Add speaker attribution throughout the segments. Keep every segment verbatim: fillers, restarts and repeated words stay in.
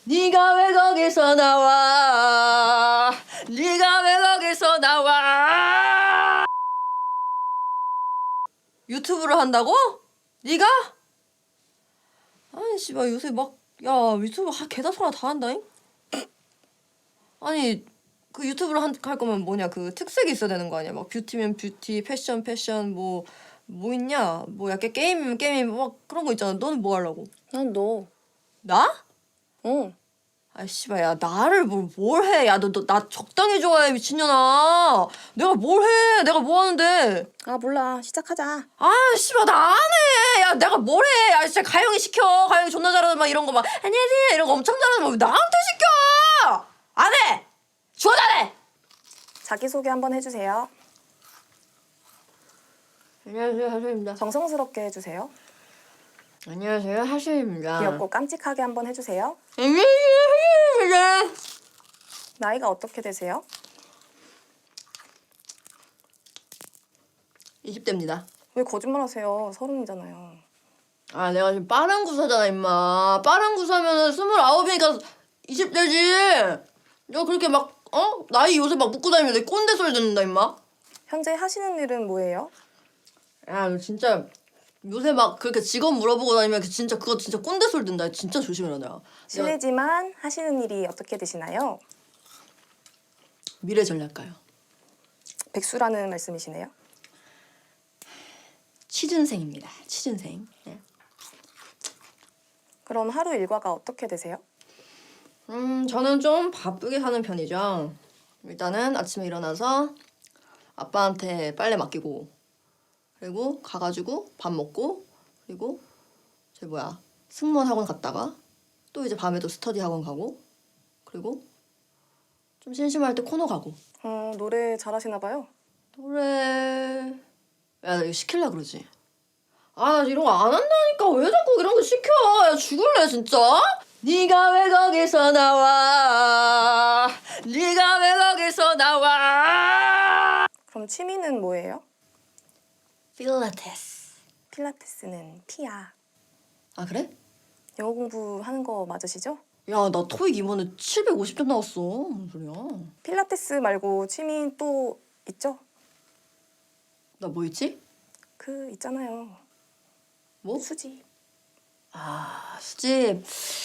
Speaker 1: 네가 왜 거기서 나와? 네가 왜 거기서 나와? 유튜브를 한다고? 네가? 아니 씨발 요새 막 야 유튜브 하 개다소나 다 한다잉? 아니 그 유튜브를 한, 할 거면 뭐냐 그 특색이 있어야 되는 거 아니야? 막 뷰티면 뷰티, 패션 패션 뭐 뭐 있냐? 뭐 약간 게임이면 게임 막 그런 거 있잖아. 너는 뭐 하려고?
Speaker 2: 난 너.
Speaker 1: 나?
Speaker 2: 응.
Speaker 1: 아 씨발 야 나를 뭘 뭘 해? 야 너 너 나 적당히 좋아해 미친년아. 내가 뭘 해? 내가 뭐 하는데?
Speaker 2: 아 몰라. 시작하자.
Speaker 1: 아 씨발 나 안 해. 야 내가 뭘 해? 야 진짜 가영이 시켜. 가영이 존나 잘하는 막 이런 거 막 안녕하세요 이런 거 엄청 잘하는 거 왜 나한테 시켜? 안 해. 주워 잘해.
Speaker 2: 자기소개 한번 해주세요.
Speaker 1: 안녕하세요 하수입니다.
Speaker 2: 정성스럽게 해주세요.
Speaker 1: 안녕하세요 하수입니다.
Speaker 2: 귀엽고 깜찍하게 한번 해주세요.
Speaker 1: 안녕하세요 하수입니다.
Speaker 2: 나이가 어떻게 되세요?
Speaker 1: 이십 대입니다.
Speaker 2: 왜 거짓말하세요? 서른이잖아요.
Speaker 1: 아 내가 지금 빠른 구사잖아 임마. 빠른 구사면은 스물아홉이니까 이십 대지. 너 그렇게 막 어? 나이 요새 막 묻고 다니면 내 꼰대 소리 듣는다 임마.
Speaker 2: 현재 하시는 일은 뭐예요?
Speaker 1: 야 너 진짜 요새 막 그렇게 직업 물어보고 다니면 그 진짜 그거 진짜 꼰대 소리 든다. 진짜 조심해라 내가. 내가
Speaker 2: 실례지만 하시는 일이 어떻게 되시나요?
Speaker 1: 미래 전략가요.
Speaker 2: 백수라는 말씀이시네요.
Speaker 1: 취준생입니다. 취준생. 네.
Speaker 2: 그럼 하루 일과가 어떻게 되세요?
Speaker 1: 음 저는 좀 바쁘게 사는 편이죠. 일단은 아침에 일어나서 아빠한테 빨래 맡기고 그리고 가가지고 밥 먹고 그리고 저 뭐야 승무원 학원 갔다가 또 이제 밤에도 스터디 학원 가고 그리고 좀 심심할 때 코너 가고.
Speaker 2: 어, 노래 잘하시나 봐요.
Speaker 1: 노래 야 나 이거 시킬라 그러지. 아 나 이런 거 안 한다니까 왜 자꾸 이런 거 시켜. 야 죽을래 진짜. 네가 왜 거기서 나와? 네가 왜 거기서 나와?
Speaker 2: 그럼 취미는 뭐예요?
Speaker 1: 필라테스.
Speaker 2: 필라테스는 피야.
Speaker 1: 아 그래?
Speaker 2: 영어 공부하는 거 맞으시죠?
Speaker 1: 야 나 토익 이번에 칠백오십 점 나왔어. 무슨 소리야?
Speaker 2: 필라테스 말고 취미 또 있죠?
Speaker 1: 나 뭐 있지?
Speaker 2: 그 있잖아요.
Speaker 1: 뭐?
Speaker 2: 수지.
Speaker 1: 아 수집.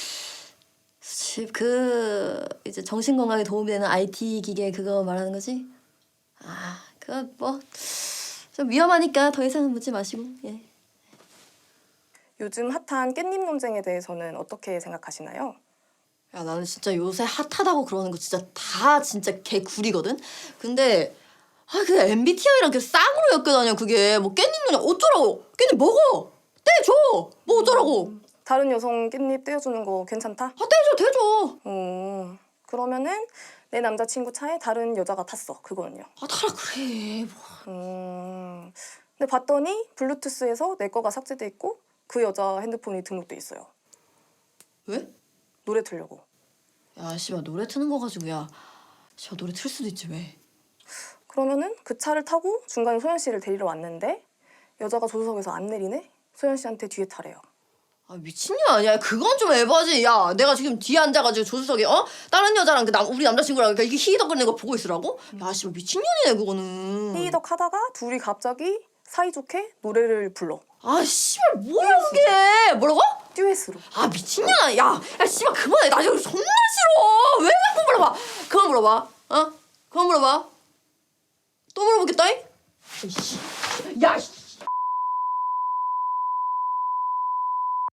Speaker 1: 수집 그 이제 정신 건강에 도움이 되는 아이티 기계 그거 말하는 거지? 아 그거 뭐 좀 위험하니까 더 이상은 묻지 마시고. 예.
Speaker 2: 요즘 핫한 깻잎 논쟁에 대해서는 어떻게 생각하시나요?
Speaker 1: 야 나는 진짜 요새 핫하다고 그러는 거 진짜 다 진짜 개구리거든. 근데 아 그 엠비티아이랑 그 쌍으로 엮여다녀 그게 뭐 깻잎 넣냐 어쩌라고. 깻잎 먹어 떼줘 뭐 어쩌라고.
Speaker 2: 다른 여성 깻잎 떼어주는 거 괜찮다?
Speaker 1: 아 떼줘 떼줘.
Speaker 2: 어, 그러면은 내 남자친구 차에 다른 여자가 탔어. 그거는요?
Speaker 1: 아 타라 그래 뭐.
Speaker 2: 음, 근데 봤더니 블루투스에서 내 거가 삭제돼 있고 그 여자 핸드폰이 등록돼 있어요.
Speaker 1: 왜?
Speaker 2: 노래 틀려고.
Speaker 1: 야 씨발 노래 트는 거 가지고 야 씨발 노래 틀 수도 있지 왜.
Speaker 2: 그러면은 그 차를 타고 중간에 소연 씨를 데리러 왔는데 여자가 조수석에서 안 내리네? 소연 씨한테 뒤에 타래요.
Speaker 1: 아 미친년 아니야. 그건 좀 에바지. 야 내가 지금 뒤에 앉아가지고 조수석에 어 다른 여자랑 그 남 우리 남자친구랑 그러니까 이게 히덕거리는 거 보고 있으라고? 야 씨발 미친년이네 그거는.
Speaker 2: 삐덕 하다가 둘이 갑자기 사이좋게 노래를 불러.
Speaker 1: 아 씨발 뭐야 그게. 뭐라고?
Speaker 2: 듀엣으로.
Speaker 1: 아 미친년아. 야, 야 씨발 그만해. 나 지금 존나 싫어. 왜 자꾸 물어봐. 그만 물어봐. 어? 그만 물어봐. 또 물어보겠다잉? 이씨. 야 씨.